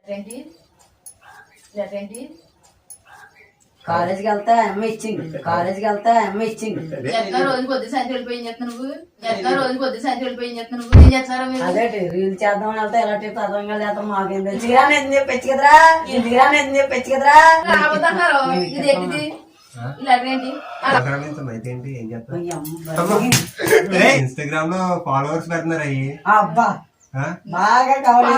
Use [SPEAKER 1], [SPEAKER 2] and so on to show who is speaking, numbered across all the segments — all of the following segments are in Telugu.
[SPEAKER 1] కాలేజీకి వెళ్తా అమ్మ ఇచ్చింది. కాలేజీకి వెళ్తా అమ్మ ఇచ్చింది.
[SPEAKER 2] రోజు కొద్ది సాయంత్రం వెళ్ళిపోయి చేస్తున్నావు నువ్వు. రోజు కొద్ది సాయంత్రం వెళ్ళిపోయి చేస్తున్నావు నువ్వు. ఏం చేస్తారా మీరు?
[SPEAKER 1] అదే రీల్ చేద్దాం వెళ్తా ఎలాంటి తత్వంగా చేస్తాం మాకేం తెలుసు. ఎందుకు చెప్పచ్చు కదరా, ఎందుకు చెప్పచ్చు కదరా.
[SPEAKER 2] రాబోతున్నారు ఇది ఎక్కింది
[SPEAKER 3] ఇన్స్టాగ్రామ్ లో ఫాలోవర్స్ పెడుతున్నారు అయ్యి.
[SPEAKER 1] అబ్బా బాగా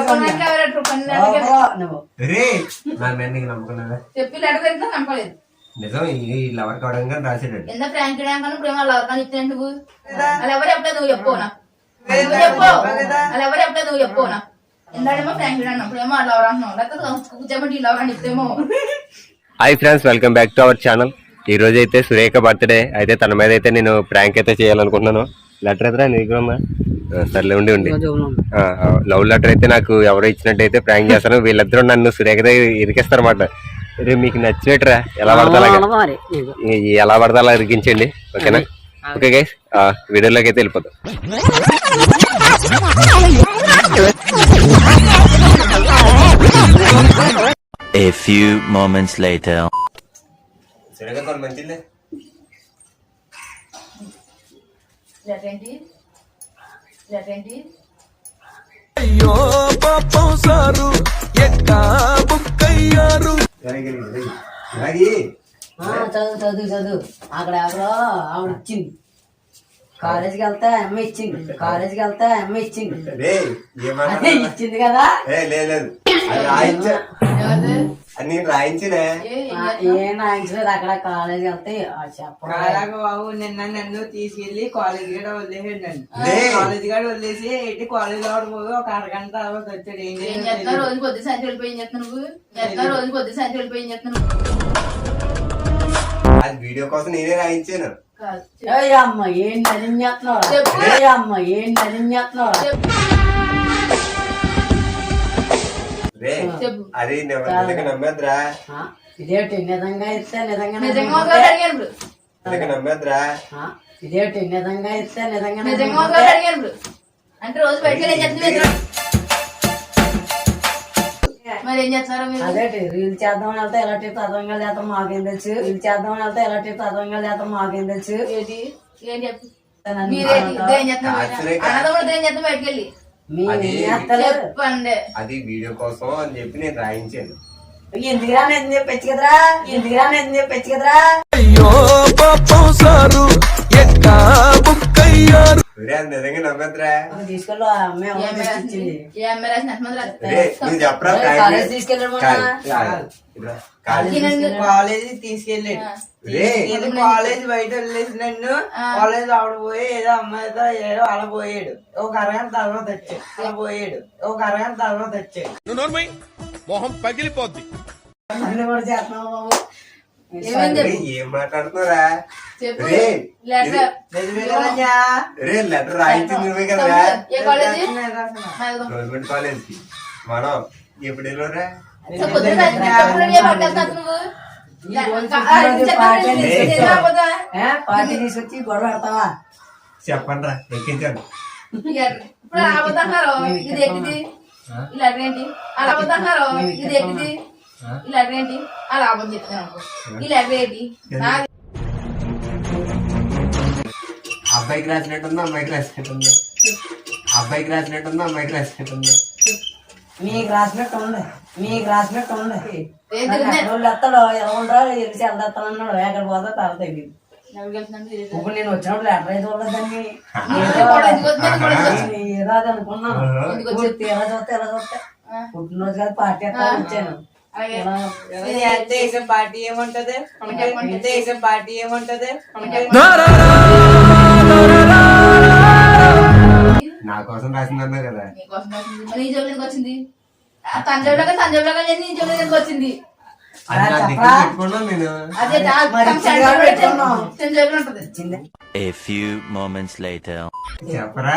[SPEAKER 3] నమ్ముకున్నా
[SPEAKER 2] చెప్పి లెటర్ పెడితే నమ్మలేదు.
[SPEAKER 3] నిజం ఈ లవర్ కావడం కానీ రాసాడు.
[SPEAKER 2] ఎంత ఫ్రాంక్ ప్రేమ లవర్ కానీ ఇస్తే నువ్వు అలా ఎవరు చెప్పలేదు. నువ్వు చెప్పుకోనా చెప్పు అలా ఎవరు చెప్పలేదు. నువ్వు చెప్పుకోనా ఎందాడేమో ఫ్రాంక్ అన్నప్పుడేమో లవర్ అంటున్నావు. లేకపోతే కూర్చోబట్టి లవర్ అని చెప్తేమో.
[SPEAKER 3] Hi friends, welcome back to our channel. ఈ రోజు అయితే సురేఖ బర్త్డే అయితే తన మీద అయితే నేను ప్రాంక్ అయితే చేయాలనుకుంటున్నాను. లెటర్ ఎదురా నీకు సర్లే ఉండి లవ్ లెటర్ అయితే నాకు ఎవరో ఇచ్చినట్టు అయితే ప్రాంక్ చేస్తాను. వీళ్ళిద్దరూ నన్ను సురేఖ ఇరికిస్తారు అన్నమాట. రేపు మీకు నచ్చినట్టురా ఎలా పడతా అలా ఇరికించండి. ఓకేనా? ఓకే గైస్, వీడియోలోకి అయితే వెళ్ళిపోతాం.
[SPEAKER 4] A few moments later.
[SPEAKER 3] మంచిలే
[SPEAKER 5] అయ్యో పాపం సారు ఎక్కా బుక్కయ్యారు.
[SPEAKER 1] చదువు అక్కడ ఎవరో ఆవిడ ఇచ్చింది. కాలేజీకి వెళ్తా అమ్మ ఇచ్చింది. కాలేజీకి వెళ్తా అమ్మ ఇచ్చింది. అదే ఇచ్చింది కదా.
[SPEAKER 3] నేను రాయించలే,
[SPEAKER 1] ఏం రాయించలేదు. అక్కడ కాలేజీకి వెళ్తే చెప్పడం
[SPEAKER 6] బాబు నిన్న నన్ను తీసుకెళ్లి కాలేజీ గడ వదిలేసాడు. నన్ను కాలేజీ గడ వదిలేసి ఎట్టి కాలేజీ లో పోయి ఒక అరగంట తర్వాత వచ్చాడు.
[SPEAKER 2] ఏం చేస్తా రోజు కొద్ది సాయంత్రం వెళ్ళిపోయి చేస్తున్నావు నువ్వు. రోజు కొద్ది సాయంత్రం వెళ్ళిపోయి చేస్తున్నావు.
[SPEAKER 3] అది వీడియో కోసం నేనే రాయించాను.
[SPEAKER 1] అమ్మ ఏం నలించేస్తున్నావు. అమ్మ ఏం నలించేస్తున్నావు.
[SPEAKER 3] అది నమ్మేద్రా.
[SPEAKER 1] ఇదేంటి నిజంగా ఇస్తే నిజంగా
[SPEAKER 3] నమ్మేద్రా.
[SPEAKER 1] ఇదేంటి నిజంగా ఇస్తే నిజంగా
[SPEAKER 2] అంటే రోజు బయటకు మరి ఏం చేస్తారా మీరు?
[SPEAKER 1] అదే రీల్ చేద్దాం వెళ్తా ఎలాంటి తత్వంగా చేస్తాం మాకేం తెలుసు. రీల్ చేద్దాం వెళ్తా ఎలాంటి తత్వంగా చేస్తాం మాకేం తెలుసు.
[SPEAKER 2] ఏంటి ఏం చెప్పు మీరేం చేస్తాం బయటకు వెళ్ళి చెప్పండి.
[SPEAKER 3] అది వీడియో కోసం అని చెప్పి నేను రాయించాను.
[SPEAKER 1] ఎందుకురా నేను చెప్పచ్చు కదరా, ఎందుకురా నేను చెప్పచ్చు కదరా.
[SPEAKER 5] అయ్యో పాపం సారు ఎక్కా బుక్కయ్యారు.
[SPEAKER 3] నిజంగా నమ్మద్రా.
[SPEAKER 1] తీసుకెళ్ళు ఇచ్చింది.
[SPEAKER 2] ఏ అమ్మాయి రాసిన ఎంతమంది
[SPEAKER 3] చెప్పరా.
[SPEAKER 1] కాలేజ్ తీసుకెళ్ళాడు.
[SPEAKER 6] కాలేజీ తీసుకెళ్ళాడు. కాలేజ్ బయట వదిలేసి నన్ను కాలేజ్ ఆవిడ పోయి ఏదో అమ్మాయితో ఏదో అలా పోయాడు. ఒక అరగంట తర్వాత వచ్చాడు. అలా పోయాడు. ఒక అరగంట తర్వాత వచ్చాడు.
[SPEAKER 5] మొహం పగిలిపోద్ది.
[SPEAKER 1] అన్ని కూడా చేస్తున్నావు బాబు.
[SPEAKER 3] ఏం మాట్లాడుతున్నారా?
[SPEAKER 6] నిజమే
[SPEAKER 3] లెటర్ రాయించింది నువ్వే కదా. గవర్నమెంట్ కాలేజ్ కి మనం ఎప్పుడు వెళ్ళరా?
[SPEAKER 1] పార్టీ తీసుకొచ్చి గొడవ పెడతావా?
[SPEAKER 3] చెప్పండి రా, ఎక్కించాను.
[SPEAKER 2] ఇప్పుడు రాబోతున్నారు ఇది ఎక్కింది. ఇలా ఏంటి అలా పోతున్నారు ఇది ఎక్కింది. ఇలా ఏంటి అలా అబద్ధం చెప్తున్నాను. ఇలా ఏంటి
[SPEAKER 3] అబ్బాయికి రాసినట్టుందా అమ్మాయికి రాసినట్టుందా? అబ్బాయికి రాసినట్టుందా అమ్మాయికి రాసినట్టుందా?
[SPEAKER 1] మీకు రాసినట్టు ఉంది. మీకు రాసినట్టు ఉంది. వాళ్ళు ఎత్తాడు ఎలా ఉండరా తెలిసి వెళ్తానన్నాడు. ఎక్కడ పోతా తర్వాత తెలియదు. ఇప్పుడు నేను వచ్చినప్పుడు లెటర్ అయితే ఉండదండి. ఏదో అది అనుకున్నాను. ఎలా చూస్తే ఎలా చూస్తే పుట్టినరోజు కాదు పార్టీ ఎత్తాను వచ్చాను.
[SPEAKER 6] దేశం పార్టీ ఏముంటది? దేశం పార్టీ ఏముంటది?
[SPEAKER 3] నా కోసం రాసిందన్నా కదా.
[SPEAKER 2] నీ జోబులోకి వచ్చింది. తంజాబులాగా నీ జోబులోకి వచ్చింది.
[SPEAKER 4] A few moments later.
[SPEAKER 3] చెప్పరా.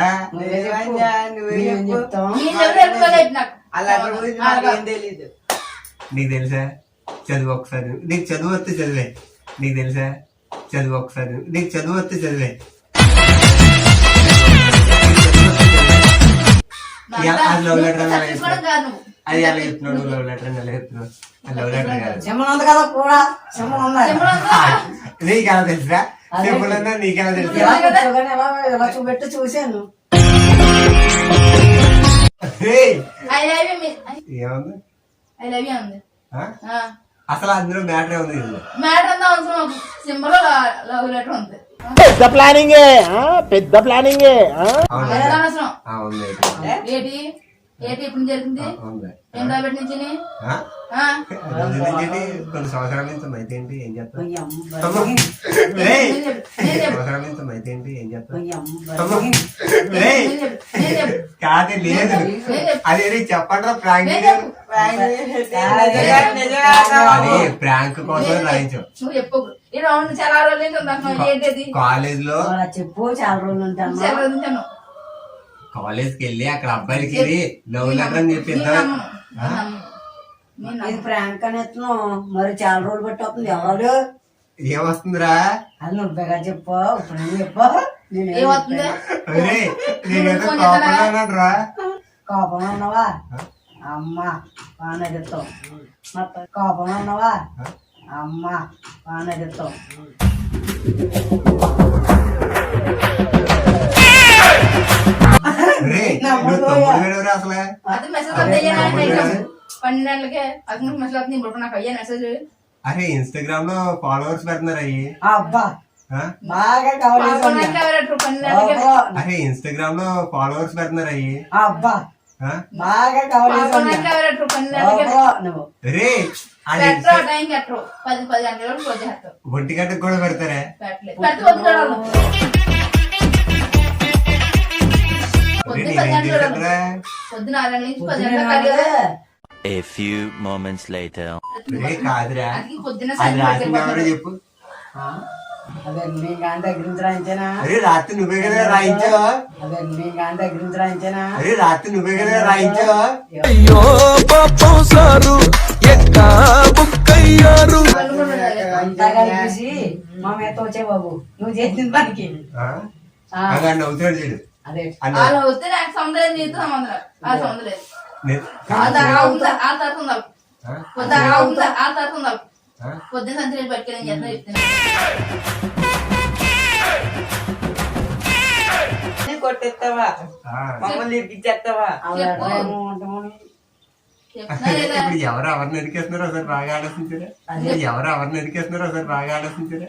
[SPEAKER 6] తెలీదు.
[SPEAKER 3] నీకు తెలుసా? చదువు ఒకసారి. నీకు చదువు వస్తే చదివే. నీకు తెలుసా? చదువు ఒకసారి. నీకు చదువు వస్తే చదివే. అది లవ్ లెటర్ అని ఎలా
[SPEAKER 2] తీసుకోవడం
[SPEAKER 3] చెప్తున్నావు?
[SPEAKER 2] కాదు నువ్వు.
[SPEAKER 3] అది ఎలా చెప్తున్నావు? నువ్వు లవ్ లెటర్ అని ఎలా చెప్తున్నావు? అది లవ్ లెటర్ కాదు.
[SPEAKER 1] సింబల్ ఉంది కదా కూడా సింబల్ ఉంది
[SPEAKER 2] సింబల్ ఉందా?
[SPEAKER 3] నీకెలా తెలుసా? సింపుల్ అన్నా నీకెలా తెలుసా?
[SPEAKER 1] ఇలా కూర్చోగానే ఇలా చూపెట్టి చూశాను.
[SPEAKER 3] ఏయ్,
[SPEAKER 2] I love you,
[SPEAKER 3] ఏముంది?
[SPEAKER 2] I love you ఉంది.
[SPEAKER 3] ఆ? అసలు అందులో మ్యాటర్ ఉంది ఇది.
[SPEAKER 2] మ్యాటర్ అంతా అవసరం సింబల్ లవ్ లెటర్ ఉంది.
[SPEAKER 3] అవునా?
[SPEAKER 2] ఎంత అవసరం
[SPEAKER 3] ఆ, ఉంది.
[SPEAKER 2] ఏంటి ఏంటి ఇప్పుడు జరిగింది
[SPEAKER 3] ఉంది.
[SPEAKER 2] ఏం రాబెట్టి నుంచి
[SPEAKER 3] ఆ? రోజు నుంచి ఏంటి? కొన్ని సంవత్సరాల నుంచి ఉంది. అయితే ఏంటి? ఏం చేస్తావు?
[SPEAKER 1] ఈ అమ్మ
[SPEAKER 3] అమ్మా. ఏయ్,
[SPEAKER 2] నేను చెప్పు
[SPEAKER 3] సంవత్సరాల నుంచి ఉంది. అయితే ఏంటి? ఏం చేస్తావు?
[SPEAKER 1] ఈ అమ్మ
[SPEAKER 3] అమ్మా. ఏయ్,
[SPEAKER 2] నేను చెప్పు
[SPEAKER 3] కాదే లేదు. అదే చెప్పండి ప్రాంక్ అది ప్రాంక్ కోసం రాయించు.
[SPEAKER 2] నువ్వు చెప్పు ఈ రౌండ్ చాలా రోజుల నుంచి ఉంది ఏంటి
[SPEAKER 3] కాలేజ్ లో
[SPEAKER 1] అలా చెప్పు చాలా రోజులు ఉంటాను.
[SPEAKER 2] చాలా రోజుల నుంచి అన్నావు.
[SPEAKER 3] కాలేజ్ కి వెళ్ళి అక్కడ అబ్బాయిలకి వెళ్ళి లవ్ లెటర్ అని చెప్పిద్దాం.
[SPEAKER 1] ఇది ప్రాంక్ అని ఎత్తున్నావు మరి చాలా రోజులు బట్టి వస్తుంది ఎవరు
[SPEAKER 3] ఏమొస్తుందిరా?
[SPEAKER 1] అది నువ్వేగా చెప్పు ఇప్పుడు నువ్వు చెప్పు నేను
[SPEAKER 2] ఏమవుతుంది
[SPEAKER 3] అరే నేనేదో కోపంగా రా.
[SPEAKER 1] కోపంలో ఉన్నావా అమ్మ బాగానే చెప్తావు మొత్తం కోపంలో ఉన్నావా అమ్మ బాగానే చెప్తావు.
[SPEAKER 3] నువ్వు తమ్ముడు వేడవరా అసలు?
[SPEAKER 2] అది మెసేజ్ వస్తాయి 12 గంటలకే అది మెసేజ్ వస్తుంది ఇప్పుడు నాకు అయ్యా మెసేజ్
[SPEAKER 3] అరే ఇన్స్టాగ్రామ్ లో ఫాలోవర్స్ పెడుతున్నారు అయ్యి.
[SPEAKER 1] అబ్బా
[SPEAKER 3] ఆ?
[SPEAKER 1] బాగా కవర్
[SPEAKER 2] 12 గంటలకే
[SPEAKER 3] అరే ఇన్స్టాగ్రామ్ లో ఫాలోవర్స్ పెడుతున్నారు అయ్యి.
[SPEAKER 1] అబ్బా
[SPEAKER 3] ఆ?
[SPEAKER 1] బాగా కవర్
[SPEAKER 2] 12 గంటలకే
[SPEAKER 3] రే అది
[SPEAKER 2] పెట్టరు టైం కట్టరు 10 గంటల వరకు వచ్చేస్తారు
[SPEAKER 3] 1 గంటకు కూడా పెడతారే.
[SPEAKER 2] పెట్టలేదు పెడితే వద్దు పొద్దున 10 గంటలు పొద్దున 6 గంటల నుంచి 10 గంటల కదా
[SPEAKER 4] A few moments later.
[SPEAKER 3] రే కాదురా,
[SPEAKER 2] అది పొద్దున
[SPEAKER 3] అది రాసింది ఎవరో
[SPEAKER 2] సాయంత్రం
[SPEAKER 3] చెప్పు.
[SPEAKER 1] అదే నీ గాని దగ్గర నుంచి రాయించానా
[SPEAKER 3] అరే రాత్రి నువ్వే కదా రాయించావు.
[SPEAKER 1] అదే నీ గాని దగ్గర నుంచి రాయించానా
[SPEAKER 3] అరే రాత్రి నువ్వే కదా రాయించావు.
[SPEAKER 5] అయ్యో పాపం సారు ఎక్కా బుక్కయ్యారు.
[SPEAKER 1] అంతా కలిపేసి మా మీద వచ్చే బాబు నువ్వు చేసిన పనికి
[SPEAKER 3] అలా నవ్వుతాడు చూడు.
[SPEAKER 1] అదే
[SPEAKER 3] అన్న
[SPEAKER 2] వాళ్ళు వస్తే నాకు సముద్రం నీతో సముద్రం ఆ సముద్రం లేదు
[SPEAKER 3] నే-
[SPEAKER 2] ఆ తర్వాత ఉండాలి
[SPEAKER 3] ఆ?
[SPEAKER 2] ఆ తర్వాత ఉండాలి
[SPEAKER 3] ఆ?
[SPEAKER 2] పొద్దున సంచి పట్టుకెళ్ళి చెప్తున్నా
[SPEAKER 6] కొట్టేస్తావా
[SPEAKER 3] ఆ.
[SPEAKER 6] మమ్మల్ని ఇరికిచ్చేస్తావా
[SPEAKER 2] చెప్పు. చెప్తున్నా లేదా
[SPEAKER 3] ఇప్పుడు ఎవరు ఎవరిని ఎరికేస్తున్నారో ఒకసారి బాగా ఆలోచించరా? ఇప్పుడు ఎవరు ఎవరిని ఎరికేస్తున్నారో ఒకసారి బాగా ఆలోచించరా?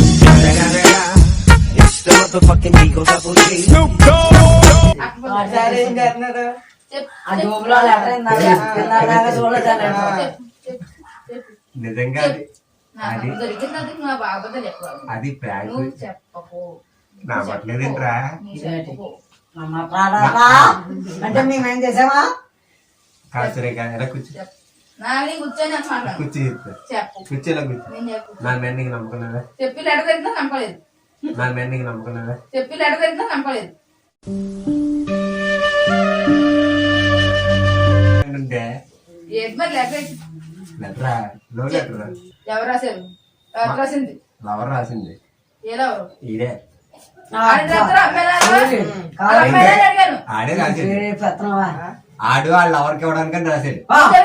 [SPEAKER 6] సరే ఏం చేస్తున్నారు
[SPEAKER 1] ఆ జోబులో లెటర్ ఇందాక చూడలేదు ఆ లెటర్.
[SPEAKER 2] చెప్పు
[SPEAKER 3] నిజంగా అది- అది
[SPEAKER 2] దొరికిందందుకు నా బాబుతో చెప్పాలి
[SPEAKER 3] అది ప్రాంక్.
[SPEAKER 2] నువ్వు చెప్పకు
[SPEAKER 3] నా పట్లేదేంట్రా?
[SPEAKER 2] నువ్వు చెప్పకు
[SPEAKER 1] అమ్మ ప్రాణాలా? అంటే మేమేం చేసామా
[SPEAKER 3] కాదు సరే కాదు ఎలా కూర్చో
[SPEAKER 2] చెప్పు నాని కూర్చొని అని మాట్లాడు
[SPEAKER 3] కూర్చో చెప్తా.
[SPEAKER 2] చెప్పు
[SPEAKER 3] కూర్చో ఇలా కూర్చో.
[SPEAKER 2] నేను చెప్పు
[SPEAKER 3] నా మీద నీకు నమ్మకం
[SPEAKER 2] చెప్పి లెటర్ దొరికినా నమ్మలేదు
[SPEAKER 3] నా మీద నీకు నమ్మకం
[SPEAKER 2] చెప్పి లెటర్ దొరికినా నమ్మలేదు
[SPEAKER 3] అంటే
[SPEAKER 2] ఏంటి మరి లెటర్
[SPEAKER 3] లెటరా లో లెటరా
[SPEAKER 2] ఎవరు రాశారు ఎవరు రాసింది
[SPEAKER 3] లవర్ రాసింది
[SPEAKER 2] ఏలెవరు
[SPEAKER 3] ఇదే
[SPEAKER 2] అడిగాను
[SPEAKER 3] ఆడే రాసింది.
[SPEAKER 1] పెత్తనవా
[SPEAKER 3] ఆడు వాళ్ళ లవర్కి ఇవ్వడానికని రాశాడు.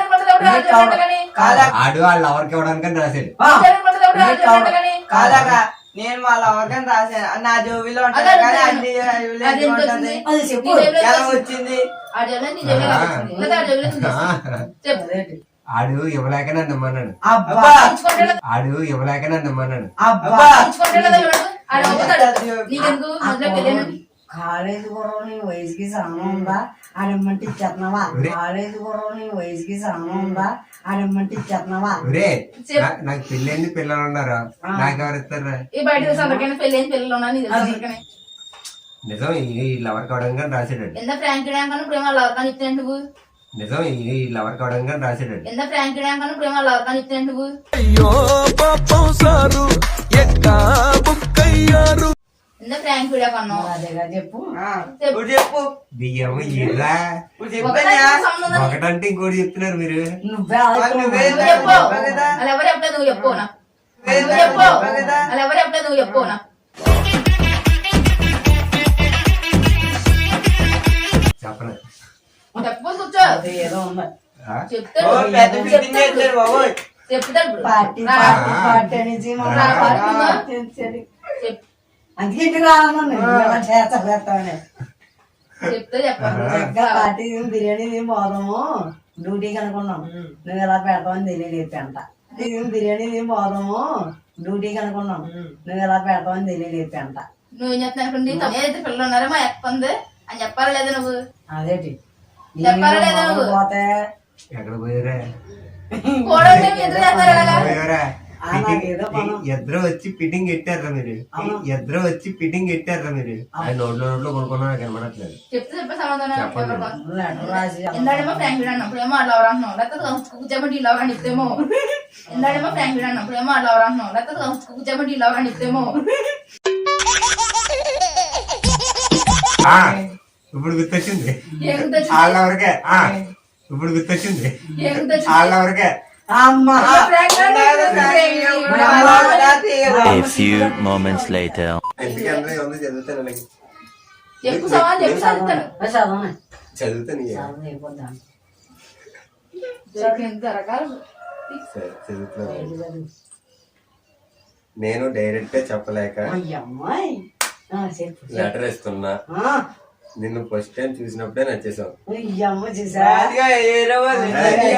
[SPEAKER 3] ఆడు వాళ్ళ లవర్కి ఇవ్వడానికని రాశాడు.
[SPEAKER 6] కాదగా నేను వాళ్ళ ఎవరికైనా రాశాను నా జోబిలో ఉంటాను కానీ అన్ని జోబిలో ఎందుకు ఉంటుంది?
[SPEAKER 1] అది చెప్పు
[SPEAKER 6] ఎలా వచ్చింది
[SPEAKER 2] చెప్పు
[SPEAKER 3] ఆడు ఇవ్వలేక నన్ను నమ్మన్నాడు.
[SPEAKER 1] అబ్బా
[SPEAKER 3] ఆడు ఇవ్వలేక నన్ను నమ్మన్నాడు.
[SPEAKER 1] అబ్బా
[SPEAKER 2] నీకెందుకు మొదలు పెళ్ళాను
[SPEAKER 1] కాలేజీ గుర్రం నీ వయసుకి సగం ఉందా ఆడమ్మంటే ఇచ్చేస్తున్నావా కాలేజీ గుర్రం నీ వయసుకి సగం ఉందా ఆడమ్మంటే ఇచ్చేస్తున్నావా
[SPEAKER 3] ఒరే నాకు పెళ్ళైంది పిల్లలు ఉన్నారు నాకెవరు ఇస్తారా?
[SPEAKER 2] ఈ బయట అందరికైనా పెళ్ళైన పిల్లలు ఉన్నా నీ తెలుసు అందరికీ
[SPEAKER 3] నిజం ఈ లవర్ కావడానికి రాశాడు.
[SPEAKER 2] ఎంత ఫ్రాంక్ డ్యాంక్ అని ప్రేమ లవర్కాని చెప్తాను నువ్వు
[SPEAKER 3] నిజం ఈ లవర్ కావడానికి రాశాడు.
[SPEAKER 2] ఎంత ఫ్రాంక్ డ్యాంక్ అని ప్రేమ లవర్కాని చెప్తాను నువ్వు
[SPEAKER 5] అయ్యో పాపం సారు ఎక్కా బుక్కయ్యారు.
[SPEAKER 2] ఎంత ఫ్రాంక్ వీడియో కన్నావు
[SPEAKER 1] అదేగా చెప్పు
[SPEAKER 6] ఇప్పుడు చెప్పు
[SPEAKER 3] బియ్యం ఇలా
[SPEAKER 6] ఇప్పుడు చెప్పా
[SPEAKER 3] ఒకటంటే ఇంకోటి చెప్తున్నారు మీరు.
[SPEAKER 1] నువ్వే
[SPEAKER 6] నువ్వే
[SPEAKER 2] చెప్పు
[SPEAKER 6] చెప్పా కదా
[SPEAKER 2] అలా ఎవరు చెప్పలేదు నువ్వు చెప్పు నా
[SPEAKER 6] నువ్వే
[SPEAKER 2] చెప్పు
[SPEAKER 6] చెప్పా కదా
[SPEAKER 2] అలా ఎవరు చెప్పలేదు నువ్వు చెప్పు నా
[SPEAKER 3] చెప్పను
[SPEAKER 2] చెప్పు కూర్చో
[SPEAKER 1] అది ఏదో ఉంది
[SPEAKER 2] చెప్తాడు
[SPEAKER 6] పెద్ద మీటింగ్ చేస్తారు బాబోయ్.
[SPEAKER 2] చెప్తాడు
[SPEAKER 1] పార్టీ
[SPEAKER 2] రా.
[SPEAKER 1] పార్టీ పార్టీ అనేసి
[SPEAKER 2] రా, పార్టీ ఉందా? చెప్-
[SPEAKER 1] అందుకే ఇంటికి రావాలన్నా ఇలా చేస్తానే
[SPEAKER 2] చెప్తే చెప్పండి
[SPEAKER 1] చక్కగా పార్టీ బిర్యానీ తిని పోదాము డ్యూటీకి అనుకున్నాం నువ్వు ఎలా పెడతావని తెలియలేదు అంట బిర్యానీ తిని పోదాము డ్యూటీకి అనుకున్నాం నువ్వు ఎలా పెడతావని తెలియలేదు అంట
[SPEAKER 2] నువ్వేం చెప్తున్నాను ఏదైతే పిల్లలు ఉన్నారో మా ఎక్క ఉంది అని చెప్పాలా లేదా నువ్వు
[SPEAKER 1] అదేటి
[SPEAKER 2] చెప్పాలా లేదా నువ్వు
[SPEAKER 1] పోతే
[SPEAKER 3] ఎక్కడ పోయారా
[SPEAKER 2] కూడా ఎదురు చేస్తారు అలాగా
[SPEAKER 3] పోయారా
[SPEAKER 1] ఆ నాకేదో పనం.
[SPEAKER 3] ఇద్దరు వచ్చి ఫిట్టింగ్ పెట్టారా మీరు ఇద్దరు వచ్చి ఫిట్టింగ్ పెట్టారా మీరు అది నోట్లో కొనుక్కున్నా నాకు కనబడట్లేదు
[SPEAKER 2] చెప్తే చెప్పే సమాధానం
[SPEAKER 3] చెప్పండి.
[SPEAKER 2] ఎవరు
[SPEAKER 1] లెటర్ రాసి
[SPEAKER 2] ఎందాడేమో ఫ్రాంక్ వీడ్ అన్నప్పుడు ఏమో అట్లా ఎవరు అంటున్నావు లేకపోతే కూర్చోబట్టి ఇలా ఎవరని చెప్తేమో ఎందాడేమో ఫ్రాంక్ వీడ్ అన్నప్పుడు ఏమో అట్లా ఎవరు అంటున్నావు లేకపోతే కూర్చోబట్టి ఇలా ఎవరని చెప్తేమో
[SPEAKER 3] ఇప్పుడు గుర్తొచ్చింది
[SPEAKER 2] ఏం గుర్తొచ్చింది?
[SPEAKER 3] వాళ్ళెవరికే ఇప్పుడు గుర్తొచ్చింది
[SPEAKER 2] ఏం గుర్తొచ్చింది?
[SPEAKER 3] వాళ్ళెవరికే
[SPEAKER 1] అమ్మా
[SPEAKER 2] prank
[SPEAKER 4] A few moments later.
[SPEAKER 3] ఎందుకంటే ఉంది చదువుతాను అలాగే
[SPEAKER 2] చెప్పు సమాధానం చెప్పు చదువుతాను
[SPEAKER 1] చదవనే
[SPEAKER 3] చదువుతాను ఇక.
[SPEAKER 1] చదవని అయిపోద్దాం
[SPEAKER 2] ఎంత రకాలు
[SPEAKER 3] సరే, చదువుతాను నేను డైరెక్ట్ గా చెప్పలేక
[SPEAKER 1] అమ్మాయి చెప్పు
[SPEAKER 3] లెటర్ ఇస్తున్నా నిన్ను ఫస్ట్ టైం చూసినప్పుడే నచ్చేసావు
[SPEAKER 1] అమ్మ చూసా
[SPEAKER 6] అదిగా ఏదో వాళ్ళు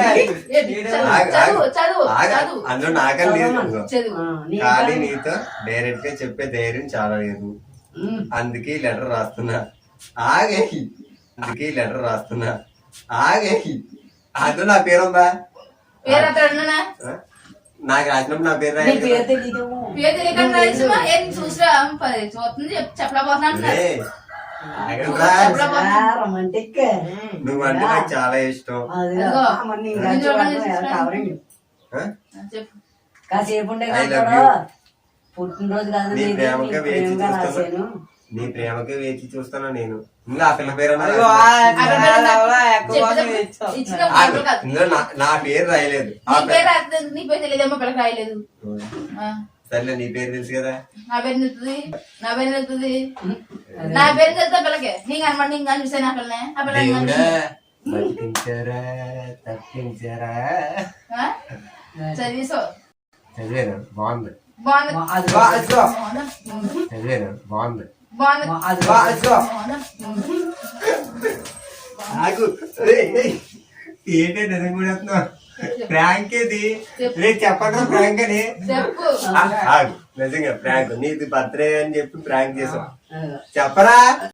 [SPEAKER 2] చదువు చదువు చదువు
[SPEAKER 3] అందులో నాకని లేదు
[SPEAKER 2] చదువు
[SPEAKER 3] కానీ నీతో డైరెక్ట్ గా చెప్పే ధైర్యం చాలా లేదు అందుకే లెటర్ రాస్తున్నా ఆగేయి అందుకే లెటర్ రాస్తున్నా ఆగేయి అందులో నా పేరుందా
[SPEAKER 2] పేరు అతడు
[SPEAKER 3] నాకు రాసినప్పుడు నా పేరు
[SPEAKER 1] నీ
[SPEAKER 3] రాయాలి
[SPEAKER 1] పేరు
[SPEAKER 3] కదా.
[SPEAKER 1] తెలీదు
[SPEAKER 2] పేరు తెలియకుండా రాసిమా ఏం చూసిరా చూస్తుంది చెప్పలేకపోతున్నాను
[SPEAKER 3] ఏయ్, ఆగండ్రా.
[SPEAKER 1] రొమాంటిక్
[SPEAKER 3] నువ్వంటే నాకు చాలా ఇష్టం
[SPEAKER 2] అదిగో.
[SPEAKER 1] కవరింగ్
[SPEAKER 3] ఆ?
[SPEAKER 2] చెప్పు
[SPEAKER 1] కాసేపు ఉండే
[SPEAKER 3] I love
[SPEAKER 1] కదా
[SPEAKER 3] you.
[SPEAKER 1] పుట్టినరోజు కాదు
[SPEAKER 3] నీ
[SPEAKER 1] నీది,
[SPEAKER 3] ప్రేమకే
[SPEAKER 1] నీ
[SPEAKER 3] వేచి
[SPEAKER 1] ప్రేమగా రాశాను
[SPEAKER 3] చూస్తాను నీ ప్రేమకే వేచి చూస్తాను నేను ఇంకా ఆ పిల్ల పేరు అన్నా
[SPEAKER 6] అదిగో
[SPEAKER 2] ఇచ్చిన
[SPEAKER 3] ఆగు.
[SPEAKER 2] పేరు కాదు.
[SPEAKER 3] ఇందులో నా పేరు రాయలేదు
[SPEAKER 2] నీ పేరు రాయలేదు, నీ పేరు తెలియదేమో పిల్లకి రాయలేదు ఆ,
[SPEAKER 3] సర్లే నీ పేరు తెలుసు కదా
[SPEAKER 2] నా పేరు తెలుస్తుంది నా పేరు తెలుస్తుంది నా పేరు తెలుస్తా పిల్లకి నీకు అనమాట నీకు కానీ చూసాను ఆ పిల్లనే ఆ పిల్ల
[SPEAKER 3] దేవుడా బతికించారా తప్పించారా
[SPEAKER 2] చదివేసో
[SPEAKER 3] చదివాను బాగుంది
[SPEAKER 2] బాగుంది
[SPEAKER 1] అది
[SPEAKER 2] బాగుంది
[SPEAKER 3] చదివాను బాగుంది
[SPEAKER 2] బాగుంది
[SPEAKER 1] అది
[SPEAKER 2] బాగుంది
[SPEAKER 3] నాకు ఏంటంటే నిజం కూడా ప్రాంక్ ఏది రేపు చెప్పండి ప్రాంక్ అని
[SPEAKER 2] చెప్పు
[SPEAKER 3] ఆగు. నిజంగా ప్రాంక్ నీది బర్త్డే అని చెప్పి ప్రాంక్ చేసాం చెప్పరా